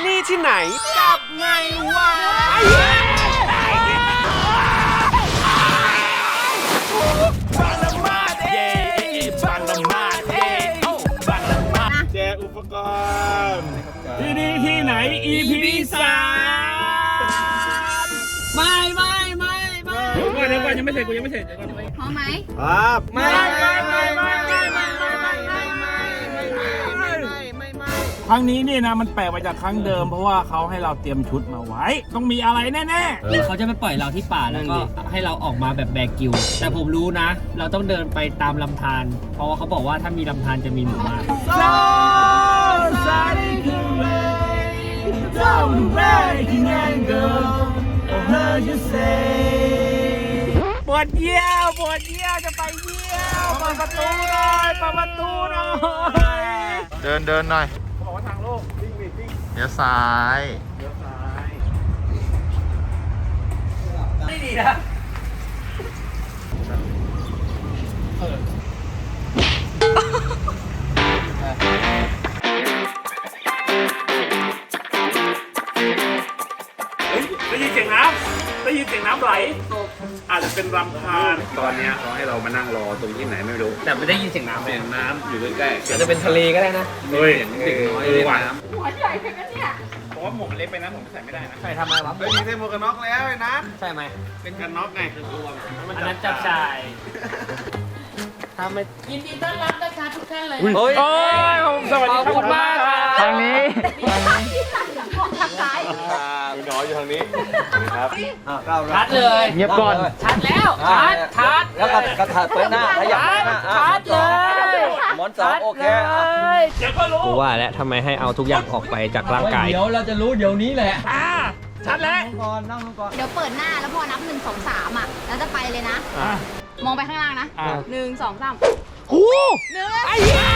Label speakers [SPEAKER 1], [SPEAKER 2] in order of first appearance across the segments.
[SPEAKER 1] นี่ที่ไหนกับไงวะบางละมาดเย่บางละมาดเย่บางละมาดแจกอุปกรณ์ที่นี่ที่ไหน EP 3
[SPEAKER 2] ไม่
[SPEAKER 1] เดี๋ยวก่อนยังไม่เสร็จกูยังไม่เสร็จ
[SPEAKER 3] พร้อมไหม
[SPEAKER 1] ครับไม่ครั้งนี้นี่นะมันแปลกไปจากครั้งเดิมเพราะว่าเขาให้เราเตรียมชุดมาไว้ต้องมีอะไรแน่
[SPEAKER 2] ๆหรือเขาจะไปปล่อยเราที่ป่าแล้วก็ให้เราออกมาแบบแบกกิวแต่ผมรู้นะเราต้องเดินไปตามลำธารเพราะว่าเขาบอกว่าถ้ามีลำธารจะมีหมู่บ้าน
[SPEAKER 1] ปวดเยี่ยวจะไปเยี่ยวเปิดประตูหน่อย
[SPEAKER 4] เดินหน่อย
[SPEAKER 1] เขาบอกว่าทางโลกวิ่ง
[SPEAKER 4] เดี๋ยวซ้าย
[SPEAKER 2] ไม่ดีนะ
[SPEAKER 1] ได้ยินเสียงน้ำไหลอาจจะเป็นลำธารตอนนี้เขาให้เรามานั่งรอตรงที่ไหนไม่รู้
[SPEAKER 2] แต่ไม่ได้ยินเสียงน้ำเลย
[SPEAKER 1] น้ำอยู่ใกล้ๆ
[SPEAKER 2] อาจจะเป็นทะเลก็ได้นะ
[SPEAKER 1] เฮ้ยเด็กน้อยเลยน้
[SPEAKER 3] ำหัวใหญ่แค่นั้นเนี่ย
[SPEAKER 1] เพราะว่าหมวกมันเล็กไปนะผมใส่ไม่ได้นะ
[SPEAKER 2] ใส่ทำไมวะ
[SPEAKER 1] ไม่มีใส่หมวกกันน็อกแล้วไอ้นะ
[SPEAKER 2] ใช่ไหม
[SPEAKER 1] เป็นกันน็อกไง
[SPEAKER 2] อันนั้นจับชายทำไม
[SPEAKER 3] ยินดีต้อนรับนะคะทุกท่านเลย
[SPEAKER 2] โอ้ย
[SPEAKER 1] สวัสดีครับ
[SPEAKER 2] มากทางนี้
[SPEAKER 3] ทางซ้าย
[SPEAKER 1] มีน้อยอยู่ทางนี้ครับ
[SPEAKER 2] ชัดเลย
[SPEAKER 4] เงียบก่อน
[SPEAKER 2] ชัดแล้วชัด
[SPEAKER 4] แล้วก็ถัดไปหน้าขยับหน้า
[SPEAKER 2] ชัดเลย
[SPEAKER 4] หมอนสองโอเค
[SPEAKER 1] เดี๋ยวก็รู้
[SPEAKER 2] กูว่าแล้วทำไมให้เอาทุกอย่างออกไปจากร่างกาย
[SPEAKER 4] เดี๋ยวเราจะรู้เดี๋ยวนี้แหละ
[SPEAKER 1] ชัดแล้ว
[SPEAKER 4] นั่งก่อน
[SPEAKER 3] เดี๋ยวเปิดหน้าแล้วพอนับ1 2 3แล้วจะไปเลยนะมองไปข้างล่างนะ1 2 3
[SPEAKER 1] หู
[SPEAKER 3] 1
[SPEAKER 1] ไอ้เหี้ย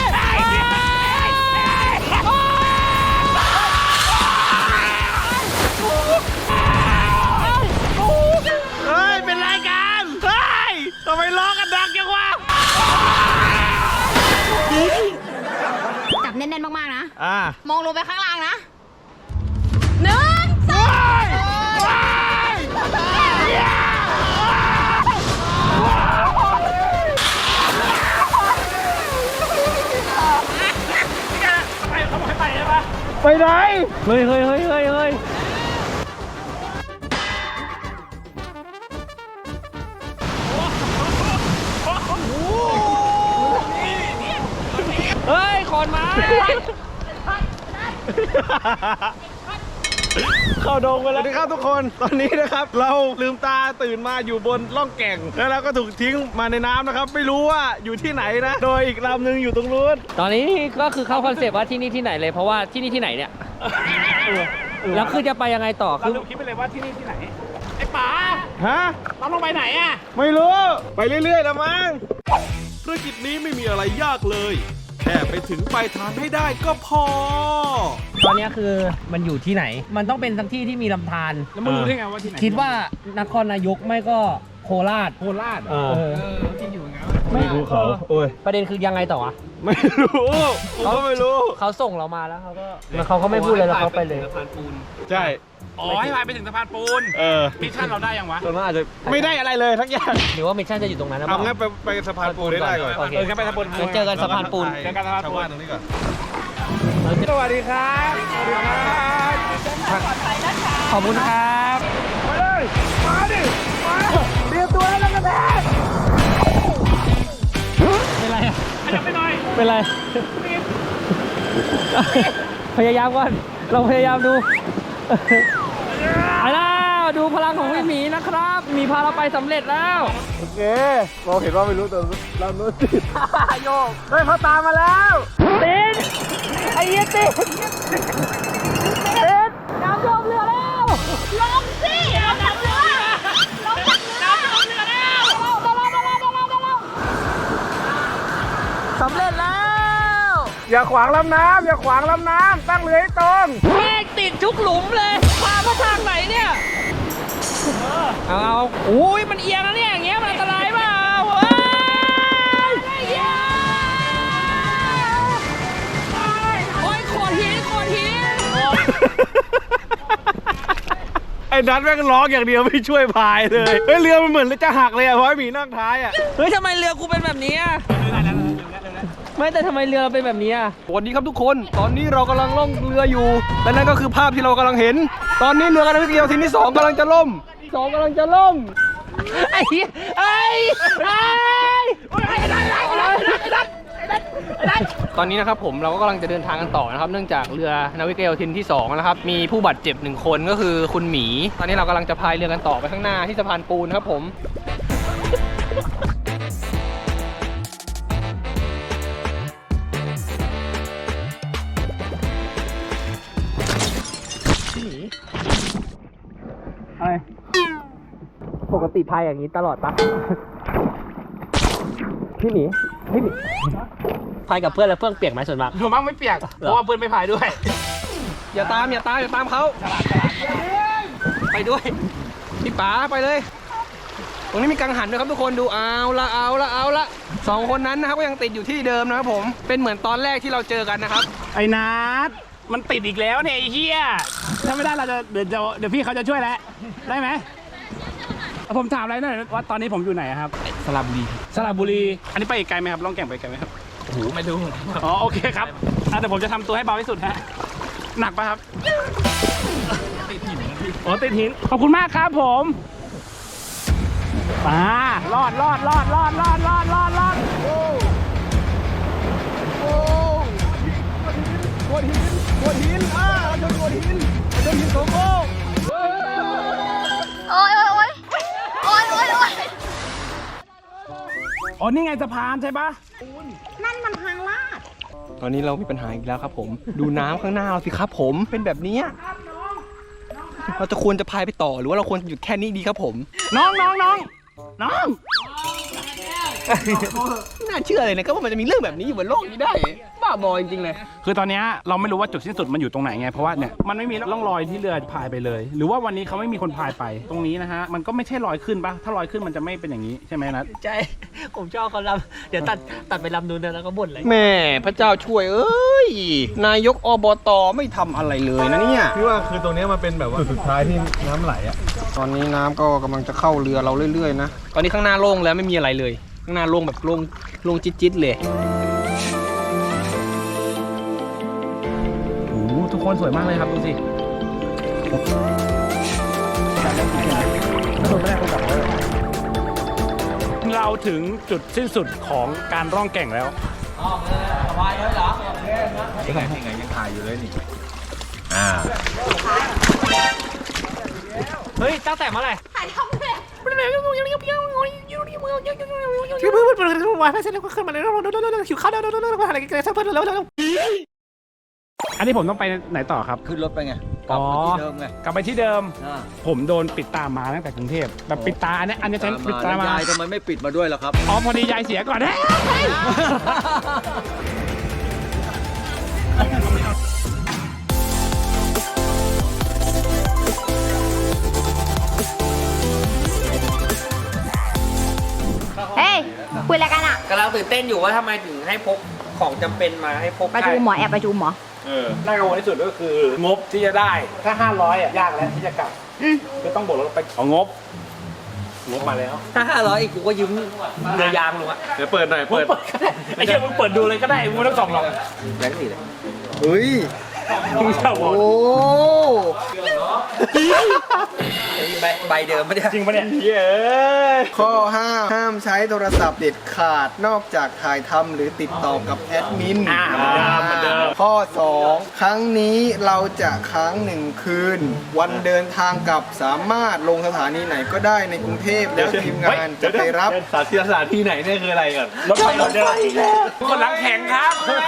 [SPEAKER 1] เฮ้ยเป็นรายการเฮ้ยทำไมร้องกันดังจังวะ
[SPEAKER 3] จับแน่นๆมากๆนะ
[SPEAKER 1] อ่
[SPEAKER 3] ามองลงไปข้างล่างนะ1 2
[SPEAKER 1] ไปไหน
[SPEAKER 2] เฮ้ยขอนไม้
[SPEAKER 1] เข้าดงไปแล้วสวัสดีครับทุกคนตอนนี้นะครับเราลืมตาตื่นมาอยู่บนล่องแก่งแล้วเราก็ถูกทิ้งมาในน้ำนะครับไม่รู้ว่าอยู่ที่ไหนนะโดยอีกลำหนึ่งอยู่ตรงนู้น
[SPEAKER 2] ตอนนี้ก็คือเข้าคอนเซปต์ว่าที่นี่ที่ไหนเลยเพราะว่าที่นี่ที่ไหนเนี่ยแล้วคือจะไปยังไงต่อ
[SPEAKER 1] คือเราคิดไปเลยว่าที่นี่ที่ไหนไอ้ป๋าฮะเราลงไปไหนอ่ะไม่รู้ไปเรื่อยๆแล้วมั้งธุรกิจนี้ไม่มีอะไรยากเลยแค่ไปถึงปลายทางให้ได้ก็พอ
[SPEAKER 2] ตอนนี้คือมันอยู่ที่ไหนมันต้องเป็นทั้งที่ที่มีลำธาร
[SPEAKER 1] แล้วมึงรู้ได้ไงว่าที่ไหน
[SPEAKER 2] คิดว่านครนายกไม่ก็โคราช
[SPEAKER 1] ที่อยู่ไงไม่รู้เขาโอ้ย
[SPEAKER 2] ประเด็นคือยังไงต่อวะ
[SPEAKER 1] ไม่รู้เขาไม่รู้
[SPEAKER 2] เขาส่งเรามาแล้วเขาก็ไม่พูดเลยแล้วเขาไปเลย
[SPEAKER 1] สะพานปูนใช่ให้พายไปถึงสะพานปูนมิชชั่นเราได้ยังวะตอนนั้นอาจจะไม่ได้อะไรเลยทั้งอย่าง
[SPEAKER 2] หรือว่ามิชชั่นจะอยู่ตรงนั้นนะ
[SPEAKER 1] เอางั้นไปสะพานปูนได้ก่อนงั้นไปสะพานปูน
[SPEAKER 2] เจอกันสะพานปูน
[SPEAKER 1] เจอกันสะพานปูนตรงนี้ก่อนสวัสดีครับ
[SPEAKER 2] ขอบคุณครับ
[SPEAKER 1] มาเลยมาดิมาเตรียมตัวแล้วกันแม่
[SPEAKER 2] เป็นไรอ่ะ
[SPEAKER 1] ขยับไปหน่อย
[SPEAKER 2] เป็นไรพยายามก่อนเราพยายามดูไปแล้วดูพลังของพี่หมีนะครับมีพาเราไปสำเร็จแล้ว
[SPEAKER 1] โอเคเราเห็นว่าไม่รู้แต่เราโน้ตติดโยกเฮ้ยเขาตามมาแล้ว
[SPEAKER 2] ติดไอ้เหี้ยติด
[SPEAKER 3] น้ำลงเรือแล้วลงสิลงจากเรือลงจากเรือแล้ว
[SPEAKER 2] สำเร็จแล้ว
[SPEAKER 1] อย่าขวางลำน้ำตั้งเรือให้ตรง
[SPEAKER 2] แม่งติดทุกหลุมเลยพามาทางไหนเนี่ยเอาอุ้ยมันเอียงนะเนี่ยอย่างเงี้ยมันอันตรายเปล่าโอ้ยโขดหิน
[SPEAKER 1] อ้นัทแม่งร้องอย่างเดียวไม่ช่วยพายเลยเฮ้ยเรือมันเหมือนจะหักเลยอ่ะเพราะไอ้หมีนั่งท้ายอ่ะ
[SPEAKER 2] เฮ้ยทำไมเรือกูเป็นแบบนี้อะไม่แต่ทำไมเรือเราเป็นแบบนี้อะ
[SPEAKER 1] สวัสดีครับทุกคนตอนนี้เรากำลังล่องเรืออยู่และนั่นก็คือภาพที่เรากำลังเห็น ตอนนี้เรือนาวิกโยธินที่2กำลังจะล่ม2กำลังจะล่ม
[SPEAKER 2] ไอ้เหี้ยไอ้ตอนนี้นะครับผมเราก็กำลังจะเดินทางกันต่อนะครับเนื่องจากเรือนาวิกโยธินที่2นะครับมีผู้บาดเจ็บ1คนก็คือคุณหมีตอนนี้เรากำลังจะพายเรือกันต่อไปข้างหน้าที่สะพานปูนครับผมปกติพายอย่างนี้ตลอดปะพี่หมีพายกับเพื่อนแล้วเพื่อนเปียกไหมส่วนมาก
[SPEAKER 5] ผมมั่งไม่เปียก เพราะว่าเพื่อนไม่พายด้วย
[SPEAKER 1] อย่าตามเขาไปด้วยพี่ป๋าไปเลยตรงนี้มีกังหันด้วยครับทุกคนดูเอาละ2คนนั้นนะครับก็ยังติดอยู่ที่เดิมนะครับผมเป็นเหมือนตอนแรกที่เราเจอกันนะครับ
[SPEAKER 5] ไอ้นัทมันติดอีกแล้วเนี่ยไอ้เหี้ยถ้าไม่ได้เราจะเดี๋ยวพี่เขาจะช่วยแล้วได้ไหมผมถามอะไรหน่อยว่าตอนนี้ผมอยู่ไหนครับสระบุรีอันนี้ไปอีกไกลไหมครับล่องแก่งไปไกลไหมครับ
[SPEAKER 2] โอ้โหไม่รู้
[SPEAKER 5] อ๋อโอเคครับแต่ผมจะทำตัวให้เบาที่สุดฮะหนักปะครับติดหินอ๋อติดหินขอบคุณมากครับผมมารอด
[SPEAKER 1] โดนหินโดนหินโกโก้
[SPEAKER 3] โอ๊ย
[SPEAKER 5] อ๋อนี่ไงสะพานใช่ปะ
[SPEAKER 3] นั่นมันทางลาด
[SPEAKER 1] ตอนนี้เรามีปัญหาอีกแล้วครับผมดูน้ำข้างหน้าเราสิครับผมเป็นแบบนี้เราจะควรจะพายไปต่อหรือว่าเราควรหยุดแค่นี้ดีครับผม
[SPEAKER 5] น้อง
[SPEAKER 1] ไม่น่าเชื่อเลยนะก็ว่ามันจะมีเรื่องแบบนี้อยู่บนโลกนี้ได้บ้าบอจริงๆเลย
[SPEAKER 5] คือตอนเนี้ยเราไม่รู้ว่าจุดสิ้นสุดมันอยู่ตรงไหนไงเพราะว่าเนี่ยมันไม่มีร่องรอยที่เรือพายไปเลย หรือว่าวันนี้เขาไม่มีคนพายไปตรงนี้นะฮะมันก็ไม่ใช่ลอยขึ้นปะถ้าลอยขึ้นมันจะไม่เป็นอย่างนี้ใช่ไหมนัท
[SPEAKER 2] ใช่ผมชอบเขาลำเดี๋ยวตัดไปลำนู้นนะแล้วก็บ่นเลย
[SPEAKER 1] แม่พระเจ้าช่วยเอ้ยนายกอบตไม่ทำอะไรเลยนะเนี่ย
[SPEAKER 6] พี่ว่าคือตรงนี้มันเป็นแบบว่าสุดท้ายที่น้ำไหลอ่ะ
[SPEAKER 1] ตอนนี้น้ำก็กำลังจะเข้าเรือเราเรื่อยๆนะตอนนี้ข้างหน้าโล่งแล้วไม่มีอะไรเลยข้างหน้าโล่งแบบโล่งจิ๊ดๆเลย
[SPEAKER 5] โอ้โหทุกคนสวยมากเลยครับดูสิเราถึงจุดสิ้นสุดของการร่องแก่งแล้ว
[SPEAKER 6] ยังไงยังถ่ายอยู่เลยนี่
[SPEAKER 2] เฮ้ยตั้งแต่เมื่อไหร่
[SPEAKER 3] ถ่ายทำเลย
[SPEAKER 5] ชื่อเพื่อนเปิดวายไปเสร็จแล้วก็ขึ้นมาเลยหิวข้าวอะไรกันสักเพื่อนแล้วอันนี้ผมต้องไปไหนต่อครับ
[SPEAKER 4] ขึ้นรถไปไง กลับมาที่เดิมไง
[SPEAKER 5] กลับไปที่เดิม
[SPEAKER 4] อ่า
[SPEAKER 5] ผมโดนปิดตามาตั้งแต่กรุงเทพแบบปิดตาอันนี้ใช้ปิดตามา
[SPEAKER 4] ยายทำไมไม่ปิดมาด้วยล่ะครับ
[SPEAKER 5] อ๋อพอดียายเสียก่อนนะ
[SPEAKER 3] เฮ้ย คุยอะไรกันอ่ะ
[SPEAKER 2] กำลังตื่นเต้นอยู่ว่าทำไมถึงให้พกของจำเป็นมาให้พก
[SPEAKER 3] ประชุมหมอแอบประชุมหมอ
[SPEAKER 5] น่ากังวลที่สุดก็คืองบที่จะได้ถ้า500อ่ะยากแล้วที่จะกลับ คือต้องบวกลบไปเอางบมาแล้ว
[SPEAKER 2] ถ้า500อีกกูก็ยืมเรือยางหนูอะ
[SPEAKER 6] เดี๋ยวเปิดหน่อย เปิด
[SPEAKER 5] ไอ้เหี้ยมึงเปิดดูเลยก็ได้มึงไม่ต้องส่องหรอก
[SPEAKER 2] แบงค์สี่เลย
[SPEAKER 1] เฮ้ย
[SPEAKER 5] มึงจะบอก
[SPEAKER 1] โอ้
[SPEAKER 2] ใบเดิมไม่ได้
[SPEAKER 5] จริงปะเนี่ย
[SPEAKER 1] ข้อ5ห้ามใช้โทรศัพท์เด็ดขาดนอกจากถ่ายทำหรือติดต่อกับแอดมิน
[SPEAKER 5] เหมือนเดิม
[SPEAKER 1] ข้อ 2 ครั้งนี้เราจะค้าง 1 คืน วันเดินทางกลับสามารถลงสถานีไหนก็ได้ในกรุงเทพแล้วทีมงานจะไปรับ
[SPEAKER 6] สถานที่ไหนเนี่ยคืออะไรก่อน
[SPEAKER 5] รถไฟอีกแล้วคนหลังแข็งครับ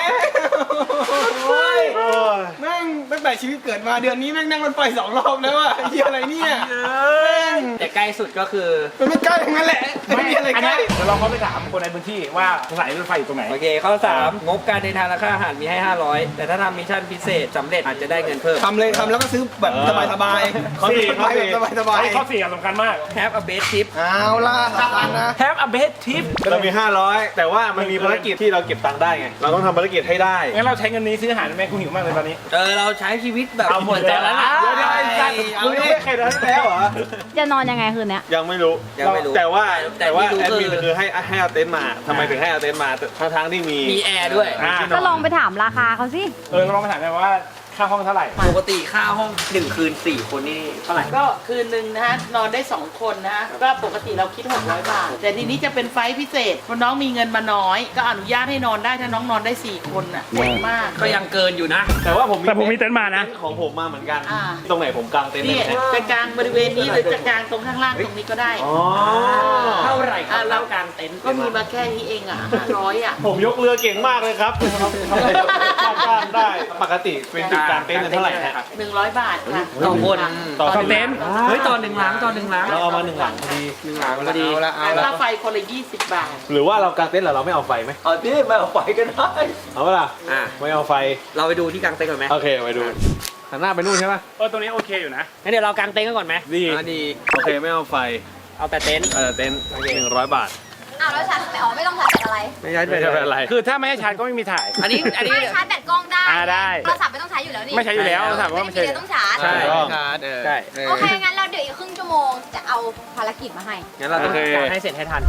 [SPEAKER 1] แม่งตั้งแต่ชีวิตเกิดมาเดือนนี้แม่งนั่งรถไฟ2 รอบแล้วอะเฮียอะไรเนี่ยแม่ง
[SPEAKER 2] แต่ใกล้สุดก็คือ
[SPEAKER 1] มันไม่ใกล้อย่างนั้นแหละไม่มีอะไร
[SPEAKER 5] อัน
[SPEAKER 1] ใก
[SPEAKER 5] นี้
[SPEAKER 1] ล้
[SPEAKER 5] เดี๋ยวเราเข้าไปถามคนในพื้นที่ว่าสถานีรถไฟอยู่ตรงไหน
[SPEAKER 2] โอเคข้อ3งบการเดินทางและค่าอาหารมีให้ 500 แต่ถ้าทำมิชชั่นพิเศษสำเร็จอาจจะได้เงินเพิ่ม
[SPEAKER 1] ทำเลยทำแล้วก็ซื้อแบบสบายๆ
[SPEAKER 5] ข้อสี่
[SPEAKER 1] ไปแบบสบาย
[SPEAKER 5] ข้อ4สำคัญมาก
[SPEAKER 2] Have a best trip
[SPEAKER 1] ๆเอาล่ะสำคัญนะ
[SPEAKER 5] Have a best trip
[SPEAKER 6] เรามี 500 แต่ว่ามันมีภารกิจที่เราเก็บตังค์ได้ไง เราต้องทำภารกิจให้ได้
[SPEAKER 5] งั้นเราใช้เงินนี้ซื้ออาหารไหมกูหิวมากเลยตอนนี้
[SPEAKER 2] เราใช้
[SPEAKER 4] ช้ชีวิตแบบ
[SPEAKER 6] เอาหมดแล้วนะเดี๋ยวไอ้สัตว์มึงยังไม่เคยทำแล้วเหรอ
[SPEAKER 3] จะนอนยังไงคืนเนี้ย
[SPEAKER 6] ยังไม่รู้
[SPEAKER 4] ยังไม่รู้
[SPEAKER 6] แต่ว่า
[SPEAKER 4] แต่ที่รู้
[SPEAKER 6] แอดมิน
[SPEAKER 4] คือ
[SPEAKER 6] คือให้เอาเต็นท์มาทำไมถึงให้เอาเต็นท์มาทั้งที่มี
[SPEAKER 4] มีแอร์ด้วย
[SPEAKER 3] ก็ลองไปถามราคาเขาสิ
[SPEAKER 5] ลองไปถามได้ว่าค่าห้องเท่าไหร่
[SPEAKER 4] ปกติค่าห้อง1 คืน 4 คนนี่เท่าไหร่
[SPEAKER 7] ก็คืนหนึ่งนะฮะนอนได้ 2 คนนะฮะก็ปกติเราคิด 600 บาท แต่ทีนี้จะเป็นไฟล์พิเศษเพราะน้องมีเงินมาน้อย ก็อนุญาตให้นอนได้ถ้าน้องนอนได้ 4 คนอ่ะเจ๋งมาก
[SPEAKER 4] ก็ยังเกินอยู่นะ
[SPEAKER 6] แต่ว่าผม
[SPEAKER 5] แต่ผมมีเต็นท์มานะ
[SPEAKER 6] เต็ท์ของผมมาเหมือนกัน
[SPEAKER 7] อ่า
[SPEAKER 6] ตรงไหนผมกางเต็นท์ได้
[SPEAKER 7] นี่
[SPEAKER 6] ไหม
[SPEAKER 7] จะกลางบริเวณนี้หรือจะกลางตรงข้างล่างตรงนี้ก็ได้
[SPEAKER 6] อ๋อ
[SPEAKER 4] เท่าไหร่ครับ
[SPEAKER 7] เรากลางเต็นท์ก็มีมาแค่นี้เองอ่ะ500อ่ะ
[SPEAKER 6] ผมยกเรือเก่งมากเลยครับทำไมกางได้ปกติเป็นจุดกางเต็นท์เนี่ยเท่าไหร่ฮะ
[SPEAKER 7] 100 บาทค่ะ
[SPEAKER 4] ต่อคน
[SPEAKER 6] ต่อ
[SPEAKER 5] เต็นท์
[SPEAKER 4] เฮ้ยต่อ1 หลังต่อ1 หลัง
[SPEAKER 6] เราเอามา1 หลังพอดี
[SPEAKER 4] 1 หลังพอดี
[SPEAKER 7] ค่าไฟคนละ20 บาท
[SPEAKER 6] หรือว่าเรากางเต็นท์แล้วเราไม่เอาไฟไหม
[SPEAKER 4] เอาที่ไม่เอาไฟก็ได้
[SPEAKER 6] เอาเปะล่า
[SPEAKER 4] อ่ะ
[SPEAKER 6] ไม่เอาไฟ
[SPEAKER 4] เราไปดูที่กลางเต็นท์ก่อนไหม
[SPEAKER 6] โอเคไปดูหันหน้าไปนู่นใช่ปะ
[SPEAKER 5] ตรงนี้โอเคอยู่นะ
[SPEAKER 2] งั้นเดี๋ยวเรากางเต็นท์กันก่อนไหม
[SPEAKER 6] ดี
[SPEAKER 4] ดี
[SPEAKER 6] โอเคไม่เอาไฟ
[SPEAKER 2] เอาแต่เต็นท์
[SPEAKER 6] เต็นท์100 บาท
[SPEAKER 3] อ้าวแล้วชาร์จไม่ไม่ต้องชาร์จแบตอะไร
[SPEAKER 4] ไม่ใช่
[SPEAKER 6] ไม่ใช่เป็นไร
[SPEAKER 5] คือถ้าไม่ให้ชาร์จก็ไม่มีถ่าย
[SPEAKER 4] อันนี้
[SPEAKER 3] ไม่ชาร์จแบตกล้องได้
[SPEAKER 5] ได้
[SPEAKER 3] โทรศัพท์ไม่ต้องใช้อยู่แล้วนี่
[SPEAKER 5] ไม่ใช้อยู่แล้วถามว่าไม่ใช่
[SPEAKER 3] เดี๋ยวต้องชาร์จ
[SPEAKER 6] ใช่
[SPEAKER 5] ใช่
[SPEAKER 3] โอเค งั้นเราเดี๋ยวอีกครึ่งชั่วโมงจะเอาภารกิจมาให้
[SPEAKER 4] งั้นเราต้อง
[SPEAKER 6] โอเค
[SPEAKER 2] กางให้เสร็จให้ทัน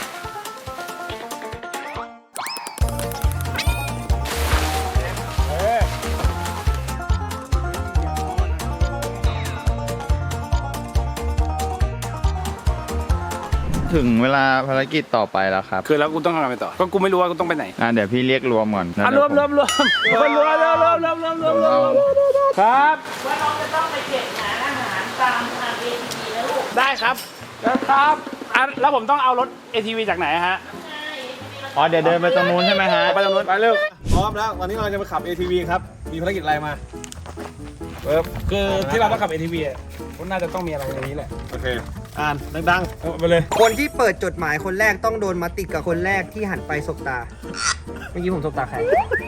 [SPEAKER 8] ถึงเวลาภารกิจต่อไปแล้วครับ
[SPEAKER 5] คือแล้วกูต้องทำอะไรต่อ ก็กูไม่รู้ว่ากูต้องไปไหน
[SPEAKER 8] เดี๋ยวพี่เรียกรวมก่อน
[SPEAKER 5] รวมครับ
[SPEAKER 7] ว่าน้องจะต้องไปเก็บหาอาหารตามทาง ATV นะลูก
[SPEAKER 5] ได้ครับครับแล้วผมต้องเอารถ ATV จากไหนฮะ
[SPEAKER 8] อ๋อ เดี๋ยวเดินไปตรงนู้นใช่ไหมฮะ
[SPEAKER 6] ไปตรงนู้นไปเร็วพร้อมแล้ววันนี้เราจะไปขับ ATV ครับมีภารกิจอะไรมาปึ๊บ
[SPEAKER 5] คือที่เราต้องขับ ATV อ่ะก็น่าจะต้องมีอะไรในนี้แหละ
[SPEAKER 6] โอเคอ่านดัง
[SPEAKER 5] เอาไปเลย
[SPEAKER 9] คนที่เปิดจดหมายคนแรกต้องโดนมัดติดกับคนแรกที่หันไปสบตา เมื่อกี้ผมสบตาใคร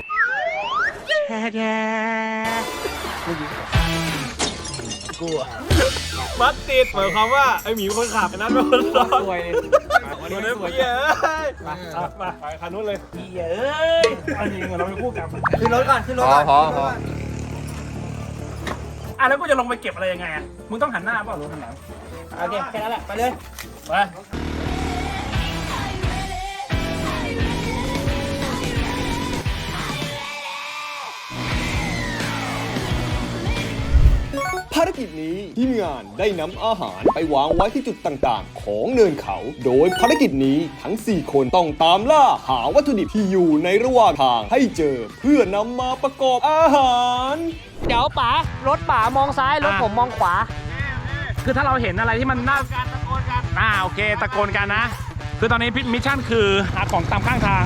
[SPEAKER 6] ๆมัดติดหมายความว่าไอ้หมีเป็นคนขับไอ้นัทเป็นคนซ้อนตัวนี้เหี้ยเอ้ย
[SPEAKER 5] ไปคันนู้นเลยเอ้ยอันนี้เหมือนเราเป็นคู่กัน
[SPEAKER 9] ขึ้นรถก่อน ขึ้นรถก่อน
[SPEAKER 8] พอ
[SPEAKER 5] แล้วกูจะลงไปเก็บอะไรยังไงอ่ะ มึงต้องหันหน้าเปล่าหรือหันหลัง
[SPEAKER 9] โอเค แค่นั้นแหละ ไปเลย
[SPEAKER 5] ไป
[SPEAKER 10] ภารกิจนี้ทีมงานได้นำอาหารไปวางไว้ที่จุดต่างๆ ของเนินเขา โดยภารกิจนี้ทั้ง 4 คนต้องตามล่าหาวัตถุดิบที่อยู่ในระหว่างทางให้เจอเพื่อนำมาประกอบอาหาร
[SPEAKER 2] เดี๋ยวป๋ารถป๋ามองซ้าย รถผมมองขวา
[SPEAKER 5] คือถ้าเราเห็นอะไรที่มันน่าการตะโกนกันโอเค ตะโกนกันนะ คือตอนนี้มิชชั่นคือหาของตามข้างทาง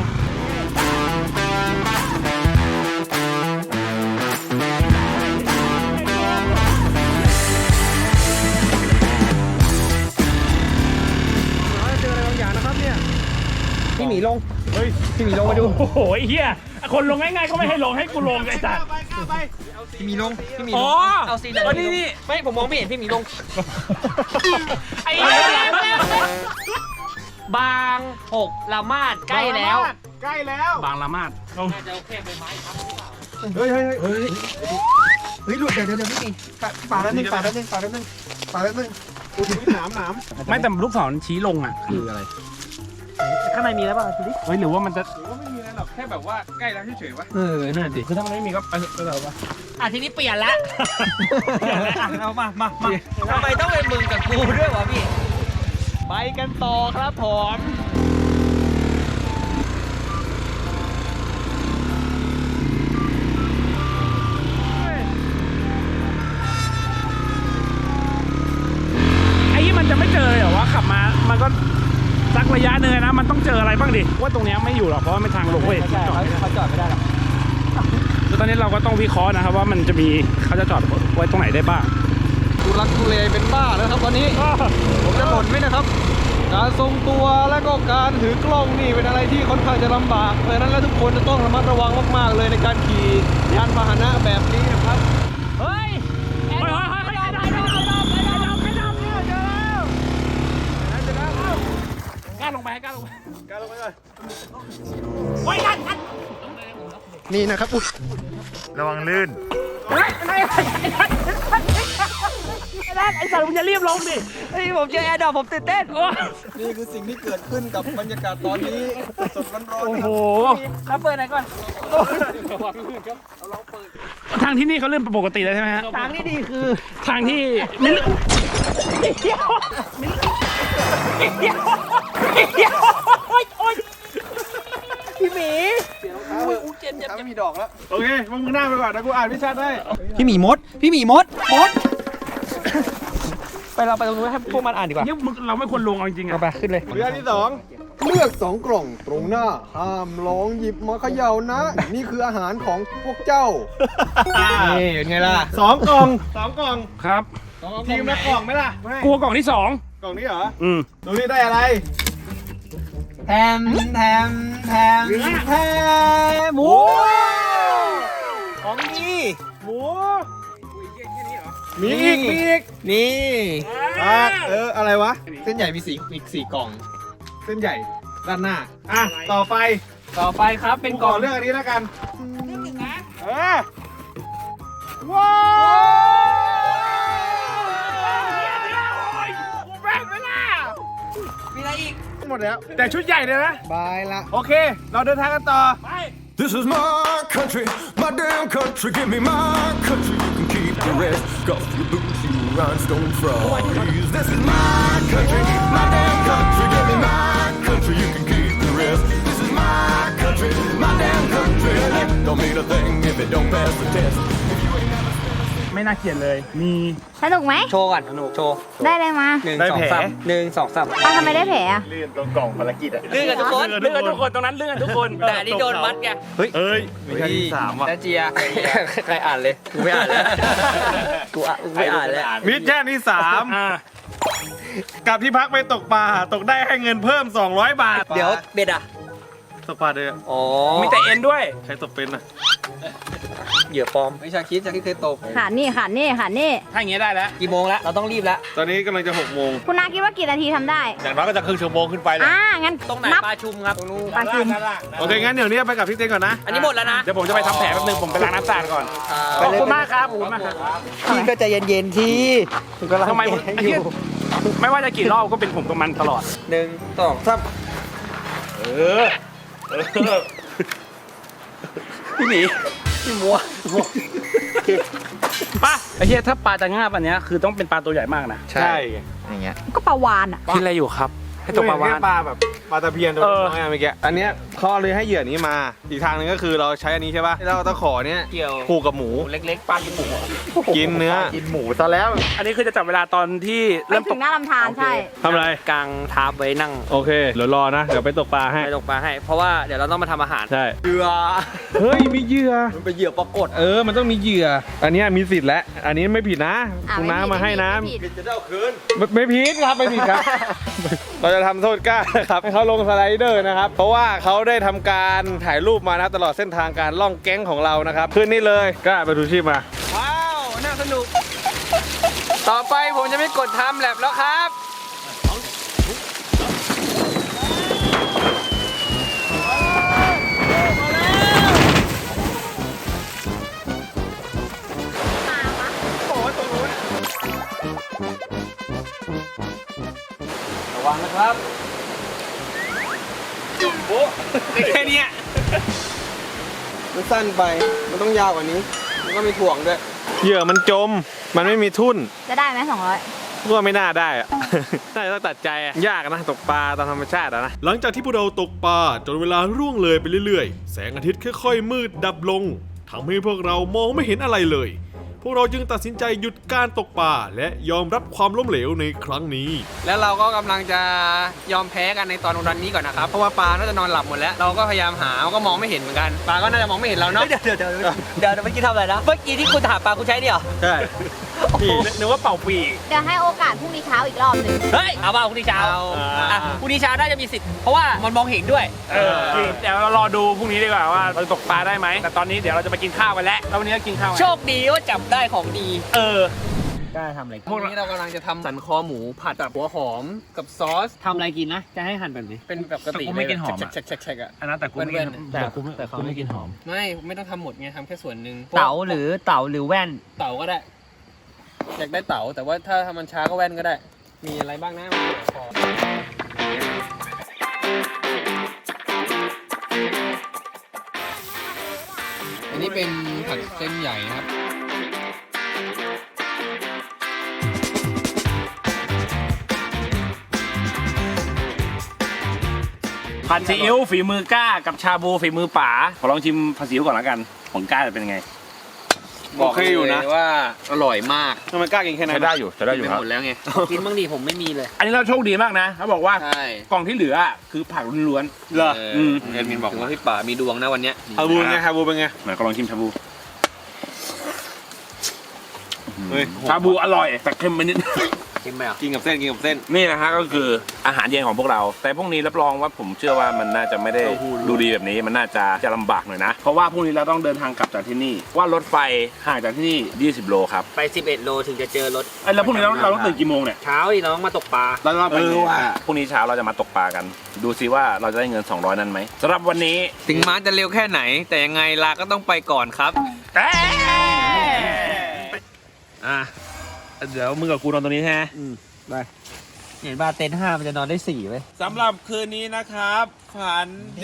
[SPEAKER 9] พี่หมีลง
[SPEAKER 5] เฮ้ย
[SPEAKER 9] พี่หมีลงมาดู
[SPEAKER 5] โอ้โหไอ้เฮียคนลงง่ายๆก็ไม่ให้ลงให้กูลงไอ้สัตว์
[SPEAKER 9] พี่หมีลง พี่หมีล
[SPEAKER 5] อ๋
[SPEAKER 9] ง
[SPEAKER 5] อ เอาซีนนี่
[SPEAKER 2] ไม่ผมมองไม่เห็นพี่หมีลง
[SPEAKER 5] ไอ้เหี้ย
[SPEAKER 2] บาง6ละมาดใกล้แล้ว
[SPEAKER 6] ใกล้แล้ว
[SPEAKER 5] บางละมาด
[SPEAKER 6] เฮ้ย
[SPEAKER 9] เฮ้ยหลุดเดี๋ยวพี่หมีฝาแป๊บนึงฝาแป๊บนึงฝาแป๊บนึงฝาแป๊บนึง
[SPEAKER 6] หนาม
[SPEAKER 5] ไม่แต่ลูกศรชี้ลงอ่ะ คืออะไร
[SPEAKER 9] ข้างในมีแล้วป่ะดูดิ
[SPEAKER 5] เฮ้ยหรือว่ามันจะ
[SPEAKER 6] ไม่มีอะไรหรอกแค่แบบว่าใกล้แล้วเฉยๆวะ
[SPEAKER 5] นั่นดิคือถ้ามันไม่มีก็ไปเถอะวะ
[SPEAKER 2] อ่ะทีนี้เปลี่ยนละ
[SPEAKER 9] เอามา
[SPEAKER 2] ทำไมต้องเป็นมึงกับกูด้วยวะพี่ ไปกันต่อครับผม
[SPEAKER 5] ไอ้ที่มันจะไม่เจอเลยเหรอวะขับมา มันก็สักระยะหนึ่งนะ มันต้องเจออะไรบ้างดิ ว่าตรงเนี้ยไม่อยู่หรอกเพราะว่ามันทางลงเว้ย
[SPEAKER 9] ใช่เขาจอดไม่ได้หรอก
[SPEAKER 5] คือตอนนี้เราก็ต้องวิเคราะห์นะครับว่ามันจะมีเขาจะจอดไว้ตรงไหนได้บ้าง
[SPEAKER 8] ทุลักทุเลเป็นบ้าแล้วครับตอนนี้ ผมจะหล่นไหมนะครับ การทรงตัวและก็การถือกล้องนี่เป็นอะไรที่ค่อนข้างจะลำบากเพราะฉะนั้นแล้วทุกคนจะต้องระมัดระวังมากๆเลยในการขี่ยานพาหนะแบบนี้นะครับ
[SPEAKER 5] เฮ้ยไอ้ดอกกล้าลงไปกล้าลงไป
[SPEAKER 8] นี่นะครับอุ๊ยระวังลื่น
[SPEAKER 5] ไอ้สัตว์มึงจะรีบลงดิ
[SPEAKER 9] เฮ้ยผมเจอแอร์ดรอปผมตื่นเต้น
[SPEAKER 10] นี่คือสิ่งที่เกิดขึ้นกับบรรยากาศตอนนี้สดร้อนๆ
[SPEAKER 5] โอ้
[SPEAKER 10] นะค
[SPEAKER 5] โห
[SPEAKER 10] รับ
[SPEAKER 5] ครับเปิดไหนก่อนทางที่นี่เขาเริ่มปกติแล้วใช่ไหมฮะ
[SPEAKER 9] ทางที่ดีคือ
[SPEAKER 5] ทางที่พี่หมี
[SPEAKER 10] ถ้ามีดอกแล้ว
[SPEAKER 6] โอเคมึงหน้าไปก่อนนะกูอ่านพิชาได้
[SPEAKER 9] พี่หมีมด ไปเราไปตรงนู้นให้พวกมันอ่านดีกว่า
[SPEAKER 5] เนี่ยมึงเราไม่ควรลงเอาจริงๆ
[SPEAKER 9] เอา
[SPEAKER 5] อ่ะ
[SPEAKER 9] ไปขึ้นเลย
[SPEAKER 6] เรื่องที่ 2
[SPEAKER 10] เลือก 2 กล่องตรงหน้า ห้ามลองหยิบมาเขย่านะ นี่คืออาหารของพวกเจ้า
[SPEAKER 9] นี่เป็นไงล่ะ
[SPEAKER 6] 2 กล่อง 2 กล่อง
[SPEAKER 5] ครับ
[SPEAKER 6] ทีมละกล่องไหมล่ะไม่
[SPEAKER 5] กลัวกล่องที่
[SPEAKER 6] กล่องนี้เหรอ
[SPEAKER 5] 2
[SPEAKER 6] ดูนี่ได้อะไร
[SPEAKER 9] แถมหมูของดี
[SPEAKER 6] หมูมีอีก
[SPEAKER 9] นี่
[SPEAKER 6] อะไรวะ
[SPEAKER 8] เส้นใหญ่มีอีก4 กล่อง
[SPEAKER 6] เส้นใหญ่ด้านหน้า อ่ะ ต่อไป
[SPEAKER 2] ครับเป็น
[SPEAKER 6] กู
[SPEAKER 2] ก
[SPEAKER 6] ข
[SPEAKER 2] ล่อ
[SPEAKER 6] อง เลือกอันนี้แล้วกันเออว้าวมีอะไรอีก หมดแล้ว แต่ชุดใหญ่เลยนะ
[SPEAKER 9] บายละ
[SPEAKER 6] โอเค เราเดินทางกันต่อ
[SPEAKER 10] This is my country, my damn country. Give me my country. You can keep the rest. Cause you boots, you rhinestone frauds. This is my country, my damn country. Give me my country. You can keep the rest. This is my country, my damn country. It don't mean a thing if it don't pass the test.
[SPEAKER 5] ไม่น่าเกลียดเลย มี
[SPEAKER 3] สนุกไหม
[SPEAKER 9] โชว์ก่อนโชว์
[SPEAKER 3] ได้เลยมา
[SPEAKER 6] ได้แผล
[SPEAKER 9] 1 2 3
[SPEAKER 3] เอาทำไมได้แผลอะ
[SPEAKER 6] ลื่นตรงกล่องภารกิจอะ
[SPEAKER 2] ลื่นกันทุกคน
[SPEAKER 5] เลื่อนทุกคนตรงนั้นเลื่อนทุกคน
[SPEAKER 2] แต่อันนี้โดนมัดไง
[SPEAKER 6] เอ้ยไม่ใช่ที่ 3 ว่ะ
[SPEAKER 2] แล้วเจีย
[SPEAKER 9] ใครอ่านเลย กูไม่อ่านแล้ว กูไม่อ่านแล้ว
[SPEAKER 6] มิชชั่นที่ 3 กับที่พักไปตกปลา ตกได้ให้เงินเพิ่ม 200 บาท
[SPEAKER 9] เดี๋ยวเบ็ดอ่ะ
[SPEAKER 6] ตกปลาเด้อ
[SPEAKER 9] อ๋อ
[SPEAKER 5] มีแต่เอ็นด้วย
[SPEAKER 6] ใครตกเป็นอ่ะ
[SPEAKER 9] เหยื่อปลอม ไม่ชาคิดเคยตก
[SPEAKER 3] ขาดนี่
[SPEAKER 5] ถ้าอย่างเงี้ยได้แล้ว
[SPEAKER 9] กี่โมงแล้ว เราต้องรีบแล้ว
[SPEAKER 6] ตอนนี้กำลังจะ6 โมง
[SPEAKER 3] คุณนาคิดว่ากี่นาทีทำได้
[SPEAKER 6] อย่างน้อยก็จะครึ่งชั่วโมงขึ้นไปเลย
[SPEAKER 3] งั้น
[SPEAKER 2] ตรงไหน
[SPEAKER 3] นับ
[SPEAKER 2] ปลาชุมครับ
[SPEAKER 3] ปลาชุม
[SPEAKER 6] โอเค งั้นเดี๋ยวนี้ไปกับพี่เต้นก่อนนะ
[SPEAKER 2] อันนี้หมดแล้วนะ
[SPEAKER 5] เดี๋ยวผมจะไปทำแผลแป๊บนึง ผมไปล้างน้ำสะอาดก่อน ขอบคุณมากครับขอบคุณมากครับ
[SPEAKER 9] พี่ก็ใจเย็นๆที่
[SPEAKER 5] ทำไมไอ้เหี้ยไม่ว่าจะกี่รอบก็เป็นผมกับมันตลอด
[SPEAKER 9] 1 2 3
[SPEAKER 5] พี่หมีพี่มัวป่ะไอ้เหี้ยถ้าปลาจะง่าบอันเนี้ยคือต้องเป็นปลาตัวใหญ่มากนะ
[SPEAKER 6] ใช่
[SPEAKER 9] อย่างเงี้ย
[SPEAKER 3] ก็ปลาวานอ่ะ
[SPEAKER 5] คิดอะไรอยู่ครับ ให้ตกปลาวาน
[SPEAKER 6] ปลาแบบปลาตะเพียนตัวน้อยเมื่อกี้ อันเนี้ยเขาเลยให้เหยื่อนี้มา อีกทางหนึงก็คือเราใช้อันนี้ใช่ป่ะเราเอาตะขอเนี้ย
[SPEAKER 2] เกี่ยว
[SPEAKER 6] ผูกกับหมู
[SPEAKER 2] เล็กๆปลากินหมูอะ
[SPEAKER 6] กินเนื้อ กินหมูซะแล้ว
[SPEAKER 5] อันนี้คือจะจับเวลาตอนที่
[SPEAKER 3] ไป
[SPEAKER 5] เริ่ม
[SPEAKER 3] ถึ
[SPEAKER 5] ตก
[SPEAKER 3] งหน้าลำธารใช่
[SPEAKER 6] ทำอะไร
[SPEAKER 2] กลางทาบไว้นั่ง
[SPEAKER 6] โอเค เดี๋ยวรอนะ เดี๋ยวไปตกปลาให้
[SPEAKER 2] ไปตกปลาให้ เพราะว่าเดี๋ยวเราต้องมาทำอาหาร
[SPEAKER 6] ใช่
[SPEAKER 9] เหยื่อ
[SPEAKER 6] เฮ้ย มีเหยื่อ
[SPEAKER 9] มันเป็นเหยื่อปรากฏ
[SPEAKER 6] มันต้องมีเหยื่อ อันเนี้ยมีสิทธิ์แล้ว อันนี้ไม่ผิดนะ คุณน้ามาให้นะ
[SPEAKER 3] ไม่ผิด
[SPEAKER 10] จะได้เอาคืน
[SPEAKER 6] ไม่ผิดครับ ไม่ผิดครับ เราจะทำโทษกล้านะครับให้เขาลงสไลเดอร์นะครับ เพราะว่าเขาได้ทำการถ่ายรูปมานะตลอดเส้นทางการล่องแก๊งของเรานะครับขึ้นนี่เลยกล้าไปดูชีพมา
[SPEAKER 2] ว้าว น่าสนุก ต่อไปผมจะไม่กดทำแลบแล้วครับ ระวังนะครับโอ้แค่เนี้ย
[SPEAKER 10] มันสั้นไป มันต้องยาวกว่านี้ มันก็มีถ่วงด้วย
[SPEAKER 6] เหยื่อมันจม มันไม่มีทุ่น
[SPEAKER 3] จะได้ไหม200
[SPEAKER 6] ว่าไม่น่าได้อะ น่าจะต้องตัดใจอะยากนะตกปลาตามธรรมชาติอะนะ หลังจากที่พวกเราตกปลาจนเวลาร่วงเลยไปเรื่อยๆ แสงอาทิตย์ค่อยๆมืดดับลงทำให้พวกเรามองไม่เห็นอะไรเลย พวกเราจึงตัดสินใจหยุดการตกปลาและยอมรับความล้มเหลวในครั้งนี้
[SPEAKER 2] แล้วเราก็กำลังจะยอมแพ้กันในตอนวันนี้ก่อนนะครับ เพราะว่าปลาน่าจะนอนหลับหมดแล้ว เราก็พยายามหาก็มองไม่เห็นเหมือนกัน ปลาก็น่าจะมองไม่เห็นเราเนาะ
[SPEAKER 9] เดี๋ยวเมื่อกี้ทำอะไรนะ เมื่อกี้ที่คุณถามปลาคุณใช้เนี่ยเหรอ
[SPEAKER 6] ใช่
[SPEAKER 5] นึกว่าเป่าปีก
[SPEAKER 3] เดี๋ยวให้โอกาสพรุ่งนี้เช้าอีกรอบหนึ่ง
[SPEAKER 2] เฮ้ย เอาเปล่าพรุ่งนี้เช้าอ่ะพรุ่งนี้เช้าน่าจะมีสิทธิ์ เพราะว่ามันมองเห็นด้วย
[SPEAKER 5] จริงเดี๋ยวเรารอดูพรุ่งนี้ดีกว่าว่าเราจะตกปลาได้ไหม แต่ตอนนี้เดี๋ยวเราจะไปกินข้าวกันแล้ว แล้ววันนี้ก็กินข้าวกัน
[SPEAKER 2] โชคดีว่าจับได้ของดี
[SPEAKER 5] เออ
[SPEAKER 9] กล้าทำอะไร
[SPEAKER 2] พวกนี้เรากำลังจะทำสันคอหมูผัดกับหัวหอมกับซอส
[SPEAKER 9] ทำอะไรกินนะ จะให้หั่นแบบนี้
[SPEAKER 2] เป็นแบบปกติ
[SPEAKER 5] กูไม่กินหอมอะ
[SPEAKER 2] แฉกๆๆๆอ่ะ
[SPEAKER 5] อันนั้นแต่กูไม่กินแต่เขาไม่กินหอม
[SPEAKER 2] ไม่ต้องทำหมดไงทำแค่ส่วนหนึ่ง
[SPEAKER 9] เต๋าหรือแว่น
[SPEAKER 2] เต๋าก็ได้อยากได้เต๋าแต่ว่าถ้าทำมันช้าก็แว่นก็ได้ มีอะไรบ้างนะขออันนี้เป็นผัดเส้นใหญ่นะครับ
[SPEAKER 5] ผัดซีอิ๊วฝีมือก้ากับชาบูฝีมือป๋าขอลองชิมผัดซีอิ๊วก่อนแล้วกันของก้าจะเป็นไง
[SPEAKER 2] บอก
[SPEAKER 8] โอเคอยู่นะ
[SPEAKER 2] เลยว่าอร่อยมาก
[SPEAKER 8] ทำไมกล้ากินแค่นั้น
[SPEAKER 5] ใช้ได้อยู่ใช้ได้อยู่
[SPEAKER 2] ไป
[SPEAKER 5] ครับ
[SPEAKER 2] หมดแล้วไง
[SPEAKER 9] กินบ้างดีผมไม่มีเลย
[SPEAKER 5] อันนี้เราโชคดีมากนะเขาบอกว่า
[SPEAKER 2] ใช่
[SPEAKER 5] กล่องที่เหลือคือผักล้วน
[SPEAKER 8] เหรอ
[SPEAKER 2] แอดมินบอกว่าพี่ป๋ามีดวงนะวันเนี้ย
[SPEAKER 8] ฮาบูไงฮาบูเป็นไง
[SPEAKER 5] ๆไหนก็ลองชิมชาบู
[SPEAKER 8] เฮ้ย
[SPEAKER 5] ชาบูอร่อยแต่เค็มไปนิด
[SPEAKER 9] กินไหมอ่ะ
[SPEAKER 8] กินกับเส้นกินกับเส้น
[SPEAKER 5] นี่นะฮะก็คืออาหารเย็นของพวกเรา แต่พวกนี้รับรองว่าผมเชื่อว่ามันน่าจะไม่ได้ดูดีแบบนี้มันน่าจะลำบากหน่อยนะเพราะว่าพรุ่งนี้เราต้องเดินทางกลับจากที่นี่ว่ารถไฟห่างจากที่นี่20 โลครับ
[SPEAKER 9] ไป 11 โลถึงจะเจอรถ
[SPEAKER 5] ไอ้แล้วพรุ่งนี้เราต้องตื่นกี่โมงเนี่ย
[SPEAKER 9] เช้าดิน้องมาตกปลา
[SPEAKER 5] เราไปพรุ่งนี้เช้าเราจะมาตกปลากัน ดูซิว่าเราจะได้เงิน200นั้นไหมสำหรับวันนี้
[SPEAKER 2] ถึงม้าจะเร็วแค่ไหน แต่ยังไงลาก็ต้องไปก่อนครับ
[SPEAKER 5] อ่ะเดี๋ยวมึงกับกูนอนตรงนี้ใช่ไหม
[SPEAKER 9] เห็นว่าเต็นท์5มันจะนอนได้4ไว้ย
[SPEAKER 5] สำหรับคืนนี้นะครับฝันดี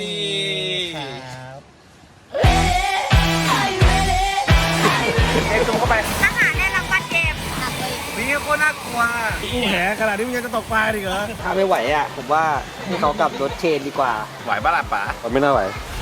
[SPEAKER 8] อู้แหขนาดนี้มึงยังจะตกปลาอีกเหรอ
[SPEAKER 9] ถ้าไม่ไหวอ่ะ ผมว่าให้เขากลับรถเชนดีกว่า
[SPEAKER 5] ไหวบ้าล่ะป๋า
[SPEAKER 8] ไม่น่าไหว